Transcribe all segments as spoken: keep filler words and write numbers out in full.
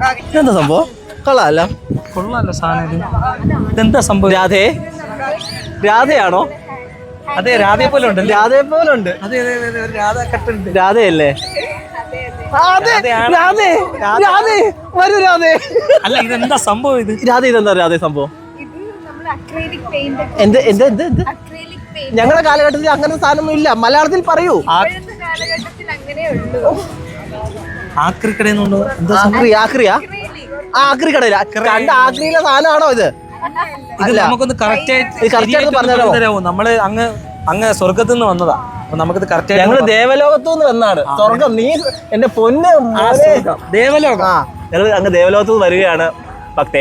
എന്താ സംഭവം? കൊള്ളാമല്ല, കൊള്ളാമല്ലോ സാധനം ഇത്. ഇതെന്താ സംഭവം? രാധേ രാധയാണോ? അതെ, രാധയെ പോലെ ഉണ്ട്. രാധയെ പോലെ ഉണ്ട്. അതെ അതെ അതെ, ഒരു രാധ കട്ടുണ്ട്. രാധയല്ലേ? വരൂ രാധേ. അല്ല, ഇതെന്താ സംഭവം? ഇത് രാധ ഇതെന്താ രാധേ സംഭവം? എന്ത് എന്ത് എന്ത് എന്ത് ഞങ്ങളുടെ കാലഘട്ടത്തിൽ അങ്ങനെ സാധനമൊന്നും ഇല്ല. മലയാളത്തിൽ പറയൂ. ആക്രിക്കടയെന്നുണ്ടോ? ആക്രി ആക്രിയാ ആക്രി കടയില കണ്ട ആക്രിയിലെ സാധനമാണോ ഇത്? ഇത് നമുക്കൊന്ന് കറക്റ്റ് ആയിട്ട് പറഞ്ഞുതരാമോ? നമ്മള് അങ്ങ് അങ്ങ് സ്വർഗത്തു നിന്ന് വന്നതാ. അപ്പൊ നമുക്കിത് കറക്റ്റ് ആയിട്ട് ഞങ്ങള് ദേവലോകത്തു നിന്ന് വന്നാണ്. സ്വർഗം നീ എന്റെ പൊന്ന് ദേവലോകം. ആ ഞങ്ങൾ അങ്ങ് ദേവലോകത്തു നിന്ന് വരികയാണ്. ഭക്തേ,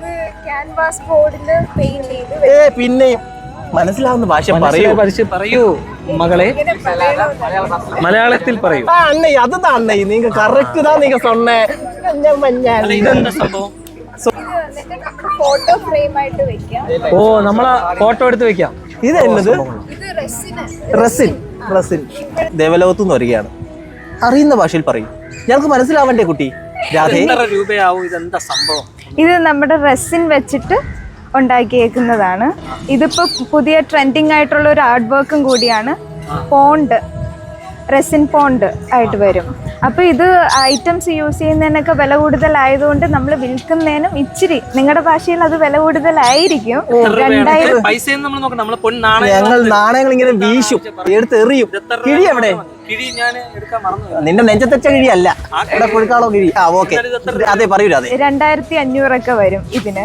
ഏ പിന്നെയും മനസ്സിലാവുന്ന ഭാഷ പറയൂ പറയൂ മകളെ, മലയാളത്തിൽ പറയൂ. ആ അണ്ണേ, അതുതാ അണ്ണേ, നീങ്ക കറക്റ്റ് താ നീങ്ക സൊന്നേ. ഇതെന്താ സംഭവം? ഫോട്ടോ ഫ്രെയിം ആയിട്ട് വെക്കാം. ഓ, നമ്മളെ ഫോട്ടോ എടുത്ത് വെക്കാം. ഇത് എന്നത് ഇത് റെസിന് റസിൻ റസിൻ ദേവലോകത്തു നിന്ന് വരികയാണ്. അറിയുന്ന ഭാഷയിൽ പറയും, ഞങ്ങൾക്ക് മനസ്സിലാവണ്ടേ കുട്ടി. രാധേ, എത്ര രൂപയാവും? ഇതെന്താ സംഭവം? ഇത് നമ്മുടെ റെസിൻ വെച്ചിട്ട് ഉണ്ടാക്കിയേക്കുന്നതാണ്. ഇതിപ്പോ പുതിയ ട്രെൻഡിങ് ആയിട്ടുള്ള ഒരു ആർട്ട് വർക്കും കൂടിയാണ്. പോണ്ട്, റെസിൻ പോണ്ട് ആയിട്ട് വരും. അപ്പോൾ ഇത് ഐറ്റംസ് യൂസ് ചെയ്യുന്നതിനൊക്കെ വില കൂടുതലായതുകൊണ്ട് നമ്മൾ വിൽക്കുന്നതിനും ഇച്ചിരി നിങ്ങളുടെ ഭാഷയിൽ അത് വില കൂടുതലായിരിക്കും. രണ്ടായിരം പൈസ ഞങ്ങൾ നാണയങ്ങൾ ഇങ്ങനെ വീശും, എടുത്ത് എറിയും. കിഴി എവിടെ? കിഴി ഞാൻ എടുക്കാൻ മറന്നു. നിന്റെ നെഞ്ചത്തച്ച കിഴിയല്ല, ഇവിടെ പുഴുക്കാളോ കിഴി. ആ ഓക്കെ, അതെ പറയൂല. അതെ, രണ്ടായിരത്തി അഞ്ഞൂറൊക്കെ വരും ഇതിന്.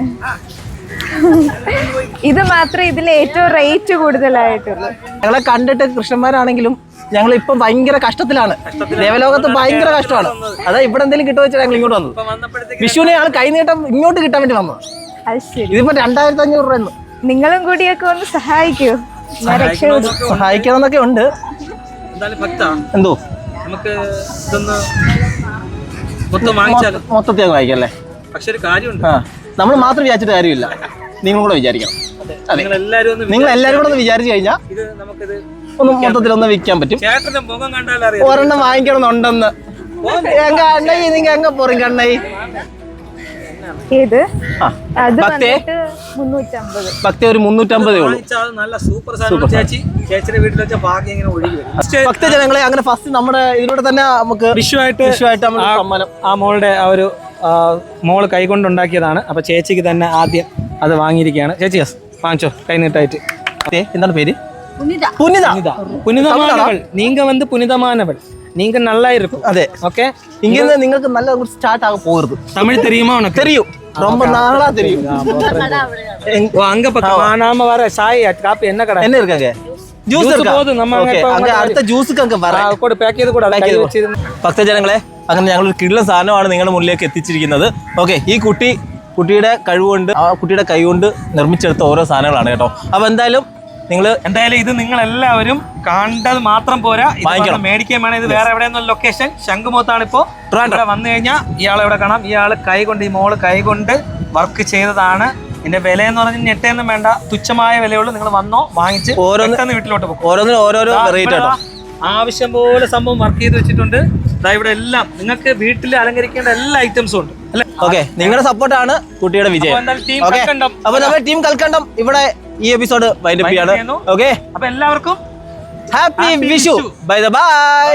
ഇത് മാത്രമേ ഇതിൽ ഏറ്റവും റേറ്റ് കൂടുതലായിട്ടുള്ളൂ. ഞങ്ങളെ കണ്ടിട്ട് കൃഷ്ണന്മാരാണെങ്കിലും ഞങ്ങൾ ഇപ്പൊ ഭയങ്കര കഷ്ടത്തിലാണ്. ദേവലോകത്ത് ഭയങ്കര കഷ്ടമാണ്. അതാ ഇവിടെ എന്തെങ്കിലും കിട്ടുക വെച്ചാൽ ഞങ്ങൾ ഇങ്ങോട്ട് വന്നത്. വിഷുവിനെ ഞങ്ങൾ കൈനീട്ടം ഇങ്ങോട്ട് കിട്ടാൻ വേണ്ടി വന്നത്. അത് ശരി. ഇതിപ്പോ രണ്ടായിരത്തി അഞ്ഞൂറ് രൂപ. നിങ്ങളും കൂടിയൊക്കെ ഒന്ന് സഹായിക്കൂ, ഞാൻ രക്ഷപ്പെടും. സഹായിക്കണം എന്നൊക്കെ ഉണ്ട്. എന്തോ നമുക്ക് ഇതൊന്ന് മൊത്തം വാങ്ങിച്ചാലും മൊത്തത്തിൽ അങ്ങ് വായിക്കല്ലേ. പക്ഷെ ഒരു കാര്യമുണ്ട്, ആ നമ്മൾ മാത്രം വിചാരിച്ചിട്ട് കാര്യമില്ല, നിങ്ങളും കൂടെ വിചാരിക്കണം. അതെ, നിങ്ങൾ എല്ലാവരും കൂടെ ഒന്ന് വിചാരിച്ചു കഴിഞ്ഞാൽ ഇത് നമുക്കിത് ഒന്ന് മൊത്തത്തിൽ ഒന്ന് വിൽക്കാൻ പറ്റും. ചേട്ടന്റെ മുഖം കണ്ടാലറിയാം ഒരെണ്ണം വാങ്ങിക്കണമെന്നുണ്ടെന്ന്. എങ്ക അണ്ണൈ നിങ്ങൾ എങ്ക പോറീങ്ക അണ്ണൈ? ഇത് ആ അത് ഭക്തേ, വന്നിട്ട് മുന്നൂറ്റമ്പത്. ഭക്തി ഒരു മുന്നൂറ്റമ്പതേ ഉള്ളൂ. നല്ല സൂപ്പർ സാധനം. ചേച്ചി ചേച്ചിയുടെ വീട്ടിൽ വെച്ച ഭാഗ്യം ഇങ്ങനെ ഒഴുകി വരും. ഭക്തജനങ്ങളെ അങ്ങനെ ഫസ്റ്റ് നമ്മുടെ ഇതിലൂടെ തന്നെ നമുക്ക് വിഷുവായിട്ട് വിഷുവായിട്ട് നമ്മൾ സമ്മാനം. ആ മോളുടെ ആ ഒരു മോള് കൈകൊണ്ടുണ്ടാക്കിയതാണ്. അപ്പൊ ചേച്ചിക്ക് തന്നെ ആദ്യം അത് വാങ്ങിയിരിക്കുകയാണ്. ചേച്ചി വാങ്ങിച്ചോ കൈനീട്ടായിട്ട്. എന്താണ് പേര്? പുനിത. പുനിത. പുനിതമാനവൾ. നീങ്ക വന്ന് പുനിതമാനവൾ. நீங்க நல்லா இருக்கும். അതെ, ஓகே. இங்க നിങ്ങൾക്ക് നല്ല സ്റ്റാർട്ട് ആക പോறது. தமிழ் தெரியுமா உனக்கு? தெரியும், ரொம்ப நாளா தெரியும். ஓ, அங்க பக்கம் நாம வர சாய் காப்பி என்ன கடை என்ன இருக்காங்க? ജ്യൂസ് இருக்கா? போது நம்ம அங்க അടുത്ത ജ്യൂസ് ഒക്കെ വരാ. கூட பேக் ചെയ്ത് കൂടാ കൈ വെച്ച്. ഭക്തജനങ്ങളെ, അങ്ങനെ ഞങ്ങൾ ഒരു കിടിലൻ സാധനമാണ് നിങ്ങളുടെ മുന്നിലേക്ക് എത്തിച്ചിരിക്കുന്നത്. ഓക്കെ, ഈ കുട്ടി കുട്ടിയുടെ കഴിവുകൊണ്ട് ആ കുട്ടിയുടെ കൈ കൊണ്ട് നിർമ്മിച്ചെടുത്ത ഓരോ സാധനങ്ങളാണ് കേട്ടോ. അപ്പൊ എന്തായാലും നിങ്ങൾ എന്തായാലും ഇത് നിങ്ങൾ എല്ലാവരും കണ്ടത് മാത്രം പോരാ, വാങ്ങിക്കണം, മേടിക്കാൻ വേണം. ഇത് വേറെ എവിടെയെന്ന ലൊക്കേഷൻ ശംഖുമുഖത്താണ്. ഇപ്പോ ഇവിടെ വന്നു കഴിഞ്ഞാൽ ഇയാളെ ഇവിടെ കാണാം. ഇയാള് കൈ കൊണ്ട്, ഈ മോള് കൈ കൊണ്ട് വർക്ക് ചെയ്തതാണ്. ഇതിന്റെ വില എന്ന് പറഞ്ഞാൽ ഞെട്ടയൊന്നും വേണ്ട, തുച്ഛമായ വിലയുള്ളൂ. നിങ്ങൾ വന്നോ, വാങ്ങിച്ച് ഓരോന്ന് വീട്ടിലോട്ട് പോകും. ഓരോന്നിനും ഓരോരോ റേറ്റ് ആട്ടോ. ആവശ്യം പോലെ സംഭവം വർക്ക് ചെയ്ത് വെച്ചിട്ടുണ്ട്. ഇവിടെ എല്ലാം നിങ്ങൾക്ക് വീട്ടിൽ അലങ്കരിക്കേണ്ട എല്ലാ ഐറ്റംസും ഉണ്ട്. ഓക്കെ, നിങ്ങളുടെ സപ്പോർട്ടാണ് കുട്ടിയുടെ വിജയം. അപ്പൊ നമ്മുടെ ടീം കൽക്കണ്ടം ഇവിടെ ഈ എപ്പിസോഡ് വൈൻഡപ്പ് ചെയ്യാണ്. ഓക്കെ, അപ്പൊ എല്ലാവർക്കും ഹാപ്പി വിഷു. Bye bye.